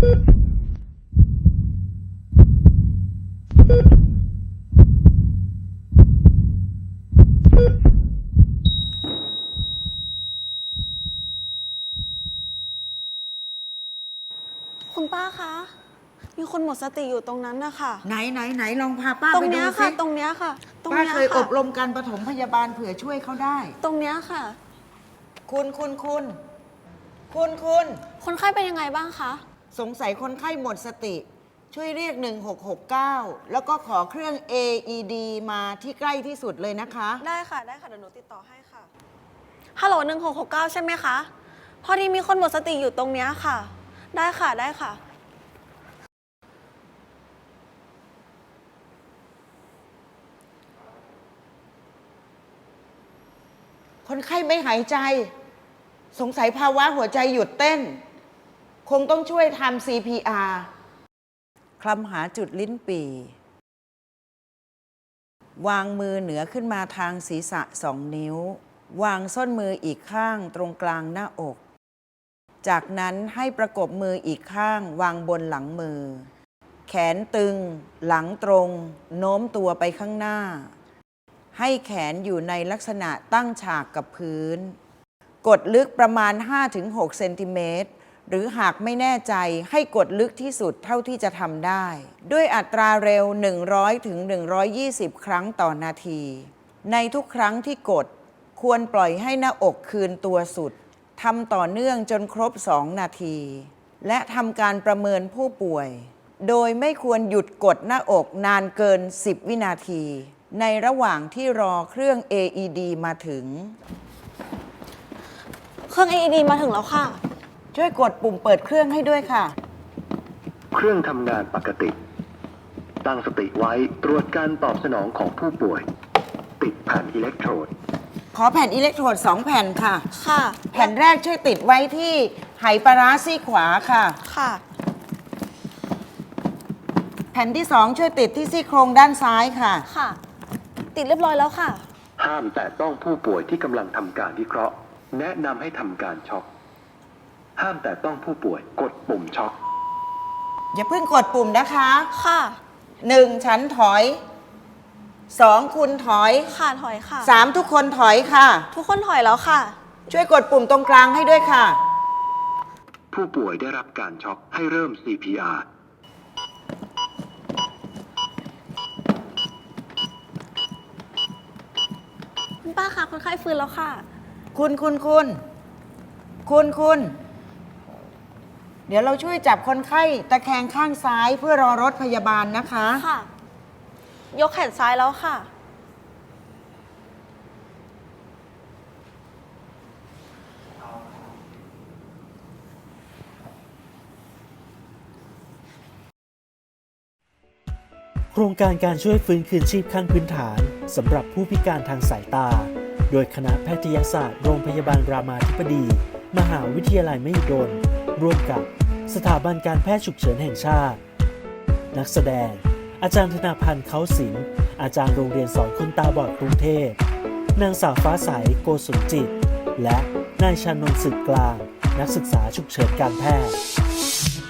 คุณป้าคะ มีคนหมดสติอยู่ตรงนั้นนะคะไหนลองพาป้าตรไปงดูเนี้ยสิค่ะ ตรงเนี้ยค่ะตรงป้าเนี้ยเคยอค่ะบรมการปฐมพยาบาลเผื่อช่วยเขาได้ตรงเนี้ยค่ะคุณคนไข้เป็นยังไงบ้างคะสงสัยคนไข้หมดสติ ช่วยเรียก 1669 แล้วก็ขอเครื่อง AED มาที่ใกล้ที่สุดเลยนะคะได้ค่ะ ได้ค่ะ เดี๋ยวหนูติดต่อให้ค่ะ ฮัลโหล1669 ใช่ไหมคะ พอดีมีคนหมดสติอยู่ตรงเนี้ยค่ะ ได้ค่ะ ได้ค่ะคนไข้ไม่หายใจ สงสัยภาวะหัวใจหยุดเต้น คงต้องช่วยทำ CPR คลำหาจุดลิ้นปี่ วางมือเหนือขึ้นมาทางศีรษะ2 นิ้ว วางส้นมืออีกข้างตรงกลางหน้าอก จากนั้นให้ประกบมืออีกข้างวางบนหลังมือ แขนตึง หลังตรง โน้มตัวไปข้างหน้า ให้แขนอยู่ในลักษณะตั้งฉากกับพื้น กดลึกประมาณ 5-6 เซนติเมตร หรือหากไม่แน่ใจให้กดลึกที่สุดเท่าที่จะทำได้ ด้วยอัตราเร็ว 100-120 ครั้งต่อนาที ในทุกครั้งที่กดควรปล่อยให้หน้าอกคืนตัวสุด ทำต่อเนื่องจนครบ 2 นาที และทำการประเมินผู้ป่วย โดยไม่ควรหยุดกดหน้าอกนานเกิน 10 วินาที ในระหว่างที่รอเครื่อง AED มาถึงเครื่อง AED มาถึงแล้วค่ะช่วยกดปุ่มเปิดเครื่องให้ด้วยค่ะเครื่องทำงานปกติ ตั้งสติไว้ตรวจการตอบสนองของผู้ป่วย ติดแผ่นอิเล็กโทรดขอแผ่นอิเล็กโทรด 2 แผ่นค่ะค่ะแผ่นแรกช่วยติดไว้ที่ไหปลาร้าซี่ขวาค่ะค่ะแผ่นที่ 2 ช่วยติดที่ซี่โครงด้านซ้ายค่ะค่ะ ติดเรียบร้อยแล้วค่ะห้ามแต่ต้องผู้ป่วยที่กำลังทำการวิเคราะห์ แนะนำให้ทำการช็อก ห้ามแต่ต้องผู้ป่วยกดปุ่มช็อกอย่าเพิ่งกดปุ่มนะคะค่ะ 1 ฉันถอย 2 คุณถอยค่ะ ถอยค่ะ 3 ทุกคนถอยค่ะทุกคนถอยแล้วค่ะช่วยกดปุ่มตรงกลางให้ด้วยค่ะผู้ป่วยได้รับการช็อกให้เริ่ม CPR คุณป้าคะคนไข้ฟื้นแล้วค่ะคุณ เดี๋ยวเราช่วยจับคนไข้ตะแคงข้างซ้ายเพื่อรอรถพยาบาลนะคะค่ะ ยกแขนซ้ายแล้วค่ะโครงการการช่วยฟื้นคืนชีพขั้นพื้นฐานสำหรับผู้พิการทางสายตา โดยคณะแพทยศาสตร์โรงพยาบาลรามาธิบดี มหาวิทยาลัยมหิดล ร่วมกับสถาบันการแพทย์ฉุกเฉินแห่งชาติ นักแสดง อาจารย์ธนาพันธ์เขาศิลป์อาจารย์โรงเรียนสอนคนตาบอดกรุงเทพ นางสาวฟ้าใส โกสุนจิต และนายชานนท์สืบกลาง นักศึกษาฉุกเฉินการแพทย์